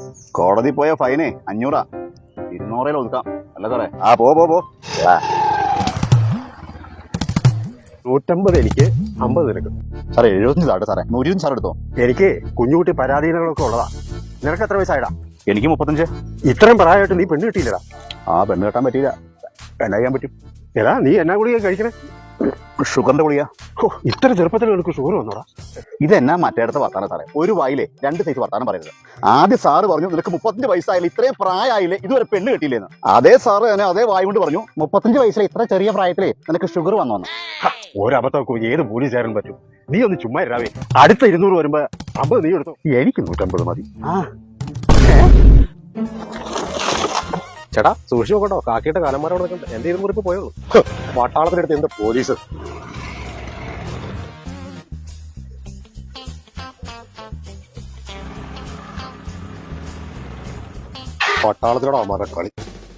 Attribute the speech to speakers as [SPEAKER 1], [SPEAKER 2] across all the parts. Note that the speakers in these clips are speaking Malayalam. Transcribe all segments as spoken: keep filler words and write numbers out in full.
[SPEAKER 1] കോടതി പോയ ഫൈനേ അഞ്ഞൂറാ, ഇരുന്നൂറിൽ ഒതുക്കാം അല്ല സാറേ? ആ പോ പോ പോ.
[SPEAKER 2] നൂറ്റമ്പത് എനിക്ക്, അമ്പത് നിനക്ക്.
[SPEAKER 1] സാറേ എഴുപത്തഞ്ച് താട്ടെ സാറേ, നൂറ്റി സാർ എടുത്തോ.
[SPEAKER 2] എനിക്ക് കുഞ്ഞുകുട്ടി പരാധീനങ്ങളൊക്കെ ഉള്ളതാ. നിനക്ക് എത്ര വയസ്സായിടാ?
[SPEAKER 1] എനിക്ക് മുപ്പത്തഞ്ച്.
[SPEAKER 2] ഇത്രയും പ്രായമായിട്ട് നീ പെണ്ണ് കിട്ടിയില്ലടാ.
[SPEAKER 1] ആ പെണ്ണ് കെട്ടാൻ പറ്റിയില്ല, എന്നാ ചെയ്യാൻ പറ്റും?
[SPEAKER 2] ഏതാ നീ എന്നാ ഗുളിക കഴിക്കണേ?
[SPEAKER 1] ഷുഗറിന്റെ ഗുളിക.
[SPEAKER 2] ഓ ഇത്ര ചെറുപ്പത്തിൽ നിനക്ക് ഷുഗർ വന്നോടാ?
[SPEAKER 1] ഇതെന്നാ മറ്റേടത്ത് വർത്താനം സാറേ, ഒരു വായിലെ രണ്ട് സൈസ് വർത്താനം പറയരുത്. ആദ്യം സാറ് പറഞ്ഞു നിനക്ക് മുപ്പത്തഞ്ച് വയസ്സായില്ലേ, ഇത്രയും പ്രായമായില്ലേ, ഇതുവരെ പെണ്ണ് കിട്ടിയില്ലേന്ന്. അതേ സാറ് തന്നെ അതേ വായ കൊണ്ട് പറഞ്ഞു മുപ്പത്തഞ്ച് വയസ്സിലെ ഇത്ര ചെറിയ പ്രായത്തിലേ നിനക്ക് ഷുഗർ വന്നോന്ന്.
[SPEAKER 2] ഒരബദ്ധമൊക്കെ ഏത് പോലീസ് ചേരാൻ പറ്റും? നീ ഒന്ന് ചുമ്മാ ഇരാവേ. അടുത്ത ഇരുന്നൂറ് വരുമ്പോ അമ്പത് നീ എടുത്തോ, എനിക്ക് നൂറ്റമ്പത് മതി.
[SPEAKER 1] ആ
[SPEAKER 2] ചേട്ടാ സൂക്ഷിച്ചു നോക്കട്ടോ, കാക്കിയുടെ കാലന്മാരോട് നിൽക്കണ്ട. എന്റെ ഇരുന്നൂറ് ഇപ്പൊ പോയുള്ളൂ. പട്ടാളത്തിനടുത്ത് എന്താ പോലീസ്? പട്ടാളത്തിനോട് അമ്മാരുടെ കളി.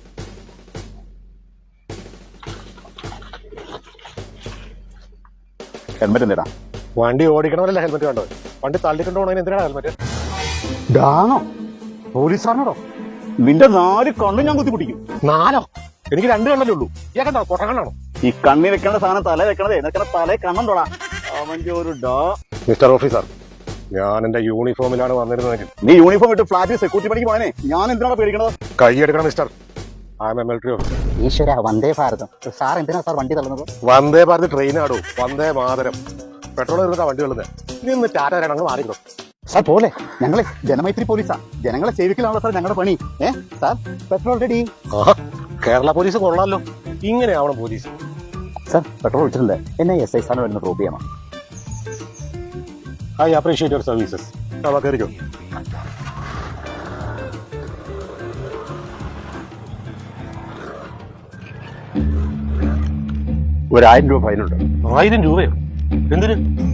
[SPEAKER 1] ഹെൽമെറ്റ് എന്തിനാ?
[SPEAKER 2] വണ്ടി ഓടിക്കണമല്ല ഹെൽമെറ്റ് കണ്ടോ? വണ്ടി തള്ളിക്കൊണ്ടു പോകണതിന് എന്തിനാണ് ഹെൽമെറ്റ്?
[SPEAKER 1] ഡാണോ
[SPEAKER 2] പോലീസാണോടോ?
[SPEAKER 1] നിന്റെ നാല് കണ്ണും ഞാൻ കുത്തി പിടിക്കും.
[SPEAKER 2] നാലോ? എനിക്ക് രണ്ട് കണ്ണല്ലേ ഉള്ളൂ. ഇയാൾക്കെന്താ കൊട്ടകണ്ണാണോ?
[SPEAKER 1] ഈ കണ്ണി വെക്കേണ്ട സാധനം തല വെക്കണതേ നിനക്കണ തലേ കണ്ണുണ്ടോടാ? അവന്റെ ഒരു ഡാ.
[SPEAKER 2] മിസ്റ്റർ ഓഫീസർ, ഞാൻ എന്റെ യൂണിഫോമിലാണ് വന്നിരുന്നതെങ്കിൽ
[SPEAKER 1] നീ യൂണിഫോം ഇട്ട് ഫ്ലാറ്റിൽ സെക്യൂരിറ്റി പണിക്ക് പോയനെ ഞാൻ എന്തിനാണ് പേടിക്കണത്?
[SPEAKER 2] കൈയെടുക്കണം mister. I am a military officer.
[SPEAKER 1] ഈശ്വര, വന്ദേ ഭാരതം. സാർ എന്തിനാ സാർ വണ്ടി തള്ളുന്നത്?
[SPEAKER 2] വന്ദേ ഭാരത് ട്രെയിൻ ആടോ, വന്ദേ മാതരം. പെട്രോൾ ഇരുന്നിട്ടാ വണ്ടി തള്ളുന്നത്. നീ ഒന്ന് ടാറ്റ തരണം, മാറിക്കോ
[SPEAKER 1] സാർ. പോലെ ഞങ്ങളെ ജനമൈത്രി പോലീസാ, ജനങ്ങളെ സേവിക്കലാണല്ലോ സാർ ഞങ്ങളുടെ പണി. ഏ സാർ പെട്രോൾ റെഡി.
[SPEAKER 2] ആഹാ, കേരള പോലീസ് കൊള്ളാലോ. ഇങ്ങനെയാവണം പോലീസ്.
[SPEAKER 1] സാർ പെട്രോൾ ഒഴിച്ചിട്ടുണ്ട്, എന്നെ എസ് ഐ സാറിന് വരുന്ന പ്രൂവ് ചെയ്യണം.
[SPEAKER 2] I appreciate your services. കയറിക്കോ. ഒരായിരം രൂപ ഫൈനുണ്ട്. ആയിരം രൂപയോ? എന്തിന്?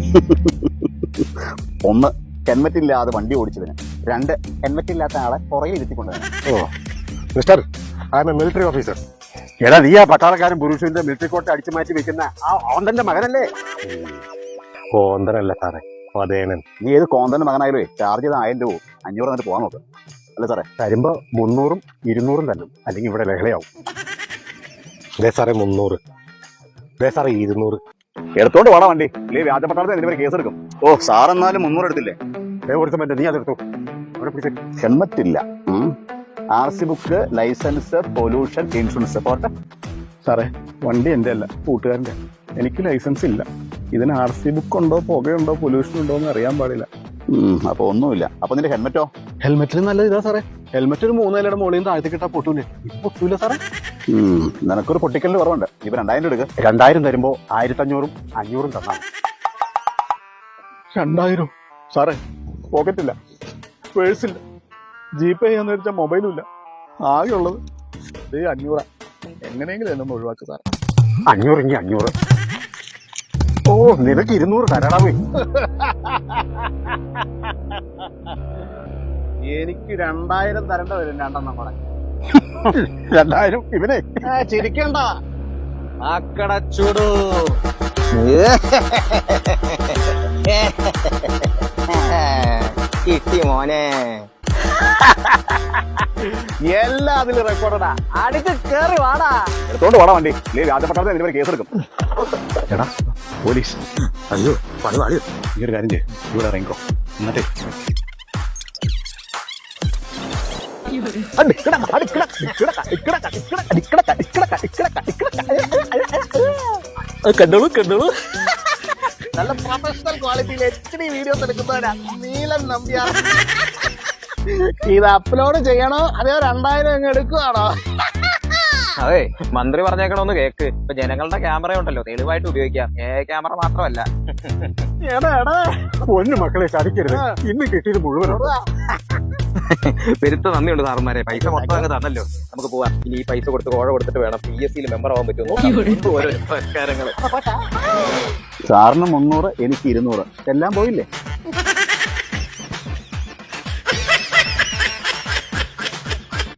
[SPEAKER 1] ഒന്ന് ഹെൽമെറ്റ് ഇല്ലാതെ വണ്ടി ഓടിച്ചതിന്, രണ്ട് ഹെൽമെറ്റ് ഇല്ലാത്ത ആളെ പുറകിൽ ഇരുത്തിക്കൊണ്ടുവരാൻ.
[SPEAKER 2] Oh mister, I am a military officer. എടാ നീ ആ പട്ടാളക്കാരൻ പുരുഷന്റെ മിലിറ്ററി കോട്ട് അടിച്ചു മാറ്റി വെക്കുന്ന ആ ഓന്തന്റെ മകനല്ലേ? കോന്തനല്ല സാറേ, പതേനൻ.
[SPEAKER 1] നീ ഏത് കോന്തന്റെ മകനായാലേ ചാർജ് ചെയ്ത ആയിരം രൂപ അഞ്ഞൂറ് എന്നിട്ട് പോകാൻ നോക്ക്. അല്ലേ സാറേ?
[SPEAKER 2] തരുമ്പോ മുന്നൂറും ഇരുന്നൂറും തന്നെ, അല്ലെങ്കിൽ ഇവിടെ ലഹളയാവും. ദേ സാറേ മുന്നൂറ്, ദേ സാറേ ഇരുന്നൂറ്.
[SPEAKER 1] എടുത്തോണ്ട് പോടാ വണ്ടി, ഇല്ലേ വ്യാജ പട്ടാളത്തിൽ എന്തിനും കേസ് എടുക്കും. ഓ സാർ എന്നാലും മുന്നൂറ് എടുത്തില്ലേ?
[SPEAKER 2] കൊടുത്ത പറ്റേ, നീ അതെടുത്തു.
[SPEAKER 1] ഹെൽമെറ്റ് ഇല്ല, R C book, licence, pollution, insurance പോട്ടെ.
[SPEAKER 3] സാറേ വണ്ടി എൻ്റെ അല്ല, കൂട്ടുകാരൻ്റെ. എനിക്ക് ലൈസൻസ് ഇല്ല. ഇതിന് ആർ സി ബുക്ക് ഉണ്ടോ, പുകയുണ്ടോ, പൊല്യൂഷൻ ഉണ്ടോ എന്ന് അറിയാൻ പാടില്ല.
[SPEAKER 1] അപ്പൊ ഒന്നുമില്ല. അപ്പൊ നിന്റെ ഹെൽമെറ്റോ?
[SPEAKER 3] ഹെൽമെറ്റിന് നല്ലത് ഇതാ സാറേ. ഹെൽമെറ്റ് ഒരു മൂന്നേലയുടെ മുകളിൽ നിന്ന് താഴ്ത്തി കിട്ടാൻ പൊട്ടൂലേ? ഇപ്പൊ പൊട്ടൂല സാറേ.
[SPEAKER 1] നിനക്കൊരു പൊട്ടിക്കലിന് കുറവുണ്ട്. ഇപ്പൊ രണ്ടായിരം എടുക്കുക.
[SPEAKER 2] രണ്ടായിരം തരുമ്പോ ആയിരത്തി അഞ്ഞൂറും അഞ്ഞൂറും തന്നാണ്.
[SPEAKER 3] രണ്ടായിരം സാറേ? പോക്കറ്റില്ല, പേഴ്സില്ല, ജി പേ ചെയ്യാന്ന് വെച്ചാൽ മൊബൈലും ഇല്ല. ആകെ ഉള്ളത് ഈ അഞ്ഞൂറാ. എങ്ങനെയെങ്കിലും എന്നൊന്ന് ഒഴിവാക്കുക സാറേ.
[SPEAKER 2] അഞ്ഞൂറെങ്കിൽ അഞ്ഞൂറ്. ഓ നിനക്ക് ഇരുന്നൂറ് തരാടാവേ.
[SPEAKER 1] എനിക്ക് രണ്ടായിരം തരേണ്ട വരും. രണ്ടെണ്ണം കൂടെ
[SPEAKER 2] രണ്ടായിരം. ഇവനെ
[SPEAKER 1] ചിരിക്കണ്ട.
[SPEAKER 4] ആക്കടച്ചൂടു കിട്ടി മോനെ.
[SPEAKER 1] എല്ലാം അതിൽ റെക്കോർഡാ.
[SPEAKER 4] അടുത്ത് കേറി വാടാ.
[SPEAKER 1] എടുത്തോണ്ട് വാടാ വണ്ടി, ഇല്ലേ വ്യാജ പട്ടാളത്തിൽ എന്തിനും കേസ് എടുക്കും.
[SPEAKER 2] എടാ പോലീസ്. അയ്യോ പണി പാടിയോ?
[SPEAKER 1] ഈ ഒരു കാര്യം ചെയ്യ്, ഇവിടെ ഇറങ്ങിക്കോ. എന്നിട്ടേ
[SPEAKER 4] കണ്ടോളൂ കണ്ടോളൂ.
[SPEAKER 1] നല്ല പ്രൊഫഷണൽ ക്വാളിറ്റിയിൽ എച്ച് ഡി വീഡിയോസ് എടുക്കുന്നവരാ നീലൻ നമ്പ്യാർ. ഇത് അപ്ലോഡ് ചെയ്യണോ അതെയോ രണ്ടായിരം അങ്ങ് എടുക്കുവാണോ?
[SPEAKER 4] അതെ മന്ത്രി പറഞ്ഞേക്കണോന്ന് കേക്ക്. ഇപ്പൊ ജനങ്ങളുടെ ക്യാമറ ഉണ്ടല്ലോ, തെളിവായിട്ട് ഉപയോഗിക്കാം. ഏ ക്യാമറ മാത്രമല്ല.
[SPEAKER 1] എടാ എടാ
[SPEAKER 2] പൊന്നു മക്കളെ ചതിക്കരുത്. ഇന്ന് കിട്ടിയത് മുഴുവൻ.
[SPEAKER 4] പെരുത്ത നന്ദിയുണ്ട് സാറന്മാരെ. പൈസ മൊത്തം അങ്ങ് തന്നല്ലോ. നമുക്ക് പോവാം. ഇനി ഈ പൈസ കൊടുത്ത് കോഴ കൊടുത്തിട്ട് വേണം പി എസ് സിയിൽ മെമ്പർ ആവാൻ പറ്റുമോ? ഓരോ പുരസ്കാരങ്ങള്.
[SPEAKER 1] സാറിന് മുന്നൂറ്, എനിക്ക് ഇരുന്നൂറ്, എല്ലാം പോയില്ലേ?